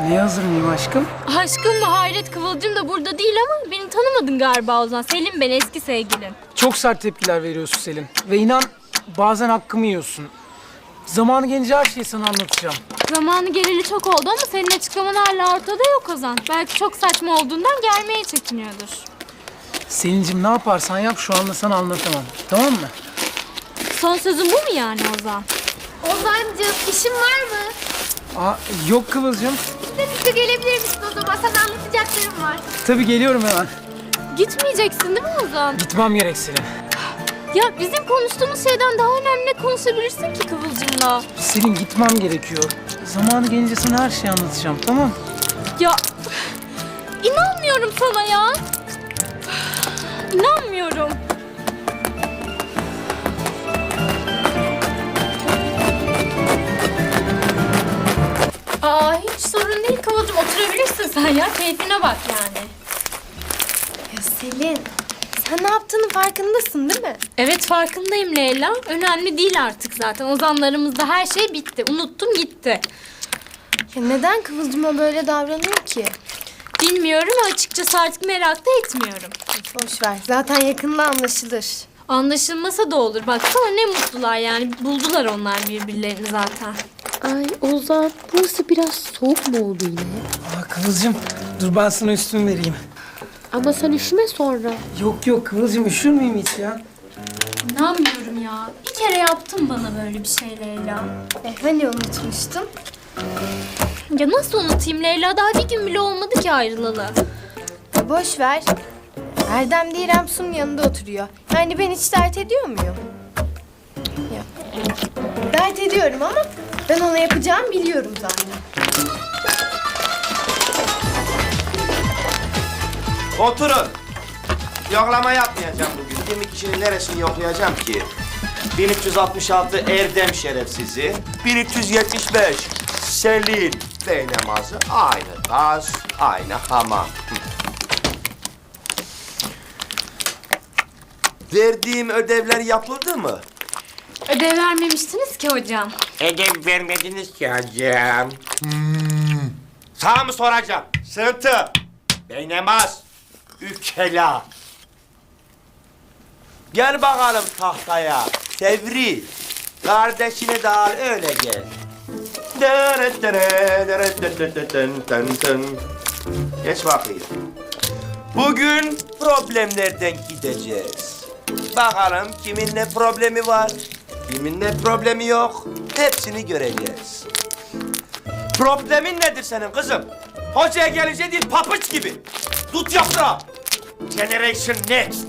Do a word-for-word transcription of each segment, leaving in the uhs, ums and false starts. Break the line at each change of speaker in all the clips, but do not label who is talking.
Neye hazır mıyım aşkım?
Aşkım mı Hayret, Kıvılcım da burada değil ama beni tanımadın galiba Ozan. Selim ben, eski sevgilim.
Çok sert tepkiler veriyorsun Selin. Ve inan bazen hakkımı yiyorsun. Zamanı gelince her şeyi sana anlatacağım.
Zamanı geleli çok oldu ama senin açıklaman hala ortada yok Ozan. Belki çok saçma olduğundan gelmeye çekiniyordur.
Selin'cim ne yaparsan yap şu anda sana anlatamam. Tamam mı?
Son sözün bu mu yani Ozan?
Ozancığım işin var mı?
Aa, yok Kıvılcım.
İşte bize gelebilir misin o zaman? Sana anlatacaklarım var.
Tabii geliyorum hemen.
Gitmeyeceksin değil mi Ozan?
Gitmem gerek Selin.
Ya bizim konuştuğumuz şeyden daha önemli ne konuşabilirsin ki Kıvılcım'la?
Selin gitmem gerekiyor. Zamanı gelince sana her şeyi anlatacağım, tamam?
Ya inanmıyorum sana ya. İnanmıyorum. Aa hiç sorun değil Kıvılcım, oturabilirsin sen ya. Keyfine bak yani.
Ya Selin, sen ne yaptığının farkındasın değil mi?
Evet farkındayım Leyla. Önemli değil artık zaten. Ozanlarımızda her şey bitti. Unuttum gitti.
Ya neden Kıvılcım'a böyle davranıyor ki?
Bilmiyorum açıkçası, artık merak da etmiyorum.
Boş ver, zaten yakında anlaşılır.
Anlaşılmasa da olur. Baksana ne mutlular yani. Buldular onlar birbirlerini zaten.
Ay Ozan, burası biraz soğuk mu oldu yine?
Aa, Kıvılcım dur ben sana üstümü vereyim.
Ama sen üşüme sonra.
Yok yok Kıvılcım üşür müyüm hiç ya?
İnanmıyorum ya. Bir kere yaptın bana böyle bir şey Leyla.
E hani unutmuştum?
Ya nasıl unutayım Leyla? Daha bir gün bile olmadı ki ayrılalı.
Ya boş ver. Erdem de İrem Su'nun yanında oturuyor. Yani ben hiç dert ediyor muyum? Ya. Dert ediyorum ama ben ona yapacağımı biliyorum zaten.
Oturun. Yoklama yapmayacağım bugün. yirmi kişinin neresini yoklayacağım ki? bin üç yüz altmış altı Erdem şerefsizi, bin üç yüz yetmiş beş Selin Beynamazı, aynı gaz, aynı hamam. Verdiğim ödevler yapıldı mı?
Ödev vermemiştiniz ki hocam.
Ödev vermediniz ki hocam. Hmm. Sana mı soracağım? Sıntı, Beynamaz, Ükela. Gel bakalım tahtaya. Tevri. Kardeşini de al öyle gel. Geç bakayım. Bugün problemlerden gideceğiz. Bakalım kimin ne problemi var, kimin ne problemi yok. Hepsini göreceğiz. Problemin nedir senin kızım? Hocaya gelince değil papuç gibi. Tut yoksa. Generation Next.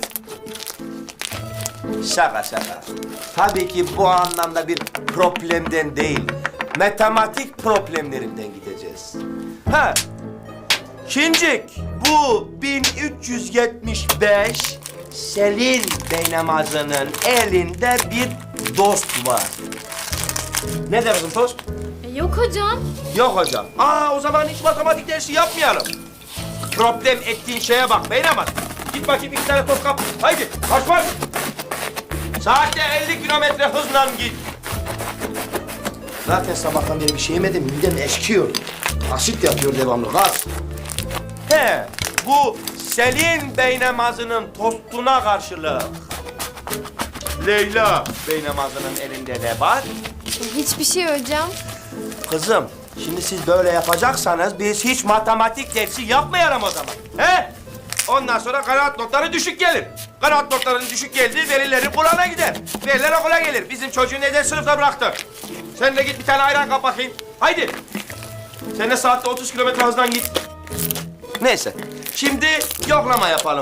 Şaka şaka. Tabii ki bu anlamda bir problemden değil, matematik problemlerinden gideceğiz. Ha, Şincik, bu bin üç yüz yetmiş beş Selin Beynamazı'nın elinde bir dost var. Ne dersin dost?
E, yok hocam.
Yok hocam. Aa, o zaman hiç matematik dersi yapmayalım. Problem ettiğin şeye bak Beynamaz. Git bakayım iki tane top kap. Haydi, marş marş. Saatte elli kilometre hızla git. Zaten sabahtan beri bir şey yemedim, midem eşkiyor. Asit yapıyor devamlı, gaz. He, bu Selin Beynamazı'nın tostuna karşılık Leyla Beynamazı'nın elinde ne var?
Hiçbir şey hocam.
Kızım, şimdi siz böyle yapacaksanız biz hiç matematik dersi yapmayalım o zaman. He? Ondan sonra kanaat notları düşük gelir. Kanaat notlarının düşük geldiği velilerin kulağına gider. Veliler okula gelir. Bizim çocuğu neden sınıfta bıraktı? Sen de git bir tane ayran kap bakayım. Haydi. Sen de saatte otuz kilometre hızdan git. Neyse. Şimdi yoklama yapalım.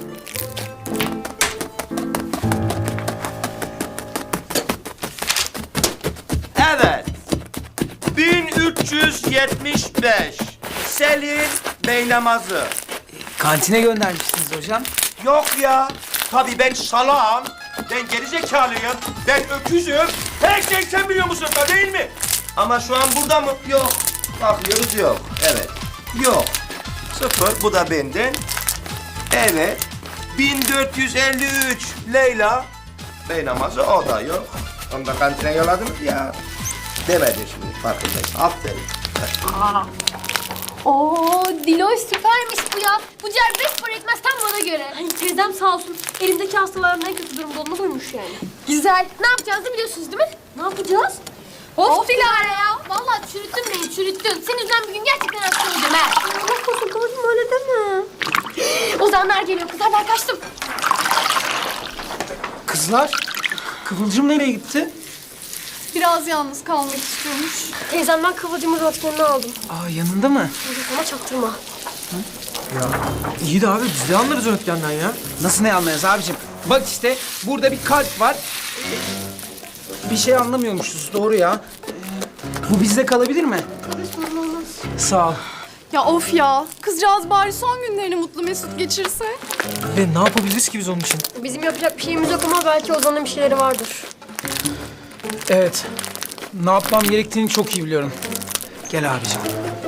Evet. bin üç yüz yetmiş beş Selin Beynamazı.
Kantine göndermiştiniz hocam.
Yok ya. Tabii ben salağım. Ben gerizekalıyım. Ben öküzüm. Her şeyi sen biliyor musun da değil mi? Ama şu an burada mı? Yok. Bakıyoruz yok. Evet. Yok. Sıfır. Bu da benden. Evet. bin dört yüz elli üç Leyla. Beynamazı o da yok. Onu da kantine yolladınız ya. Demedin şimdi farkındayım. Aferin.
Oo, Diloş süpermiş bu ya. Bu ciğer beş para etmez tam bana göre.
Ay teyzem sağ olsun. Elimdeki hastaların en kötü durumda olduğunu koymuş yani.
Güzel. Ne yapacağız da biliyorsunuz değil mi?
Ne yapacağız?
Of Dilara ya. Vallahi çürüttün beni çürüttün. Senin yüzünden bir gün gerçekten hasta olacağım ha.
Allah korusun Kıvılcım öyle deme.
Ozanlar geliyor kızlar ben kaçtım.
Kızlar, Kıvılcım nereye gitti?
Biraz yalnız kalmak istiyormuş.
Teyzemden Kıvılcım'ın röntgenini aldım.
Aa, yanında mı?
Ama çaktırma.
İyi de abi biz de anlarız röntgenden ya.
Nasıl ne anlayacağız abicim? Bak işte burada bir kalp var. Bir şey anlamıyormuşuz, doğru ya. Ee, Bu bizde kalabilir mi? Sağ ol.
Ya of ya. Kızcağız bari son günlerini mutlu mesut geçirse.
Ve ne yapabiliriz ki biz onun için?
Bizim yapacak bir şeyimiz yok ama belki Ozan'ın bir şeyleri vardır.
Evet. Ne yapmam gerektiğini çok iyi biliyorum. Gel abicim.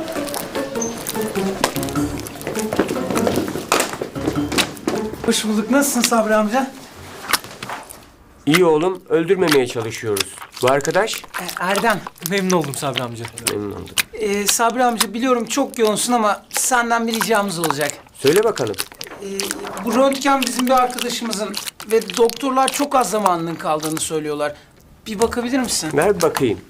Hoş bulduk. Nasılsın Sabri amca?
İyi oğlum, öldürmemeye çalışıyoruz. Bu arkadaş?
Ee, Erdem.
Memnun oldum Sabri amca.
Memnun oldum.
Ee, Sabri amca biliyorum çok yoğunsun ama senden bir ricamız olacak.
Söyle bakalım.
Ee, bu röntgen bizim bir arkadaşımızın ve doktorlar çok az zamanının kaldığını söylüyorlar. Bir bakabilir misin?
Ver bir bakayım.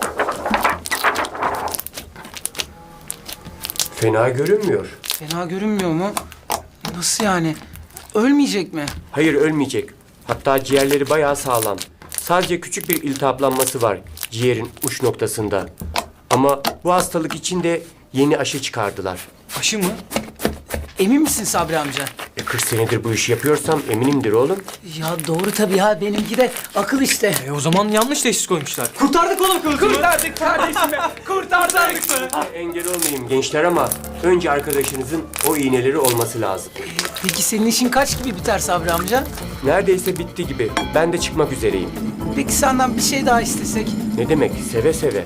Fena görünmüyor.
Fena görünmüyor mu? Nasıl yani? Ölmeyecek mi?
Hayır, ölmeyecek. Hatta ciğerleri bayağı sağlam. Sadece küçük bir iltihaplanması var ciğerin uç noktasında. Ama bu hastalık için de yeni aşı çıkardılar.
Aşı mı?
Emin misin Sabri amca?
E kırk senedir bu işi yapıyorsam eminimdir oğlum.
Ya doğru tabii ya. Benimki de akıl işte.
E o zaman yanlış teşhis koymuşlar. Kurtardık oğlum Kıvılcım'ı.
Kurtardık kardeşimi. Kurtardık.
Engel olmayayım gençler ama önce arkadaşınızın o iğneleri olması lazım.
Peki senin işin kaç gibi biter Sabri amca?
Neredeyse bitti gibi. Ben de çıkmak üzereyim.
Peki senden bir şey daha istesek?
Ne demek? Seve seve.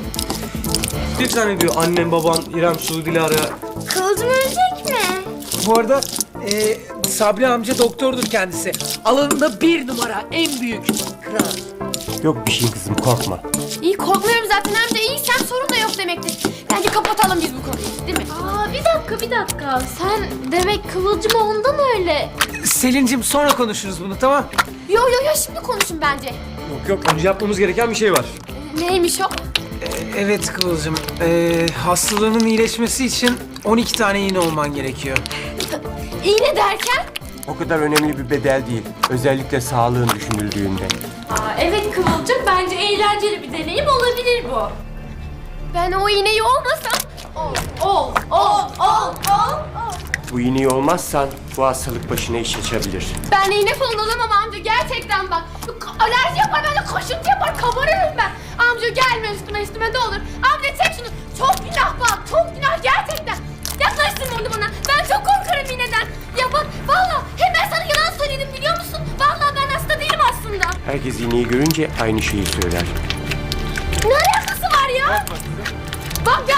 Bir tane diyor annem, baban, İrem, Su, Dilara.
Kıvılcım ölecek mi?
Bu arada e, Sabri amca doktordur kendisi. Alanında bir numara, en büyük. Kral.
Yok bir şey kızım, korkma.
İyi korkmuyorum zaten hem de iyiysem sorun da yok demektir. Bence kapatalım biz bu konuyu değil mi?
Aa bir dakika bir dakika. Sen demek Kıvılcım ondan öyle.
Selin'cim sonra konuşuruz bunu, tamam?
Yo yo yo şimdi konuşun bence.
Yok yok önce yapmamız gereken bir şey var.
Neymiş o?
Evet Kıvılcım. E, hastalığının iyileşmesi için on iki tane iğne olman gerekiyor.
İğne derken?
O kadar önemli bir bedel değil. Özellikle sağlığın düşünüldüğünde.
Aa, evet Kıvılcım bence eğlenceli bir deneyim olabilir bu.
Ben o iğneyi olmasam... Ol, ol, ol, ol, ol, ol.
Bu iğneyi olmazsan bu hastalık başına iş açabilir.
Ben iğne falan olamam amca gerçekten bak. Alerji yapar bende kaşıntı yapar kabarırım ben. Amca gelme üstüme üstüme ne olur. Amca çek şunu. Çok günah bak çok günah gerçekten. Yaklaştırma onu bana. Ben çok korkarım iğneden. Ya bak valla hem ben sana yalan söyledim biliyor musun? Valla ben hasta değilim aslında.
Herkes iğneyi görünce aynı şeyi söyler.
Ne alakası var ya? Bak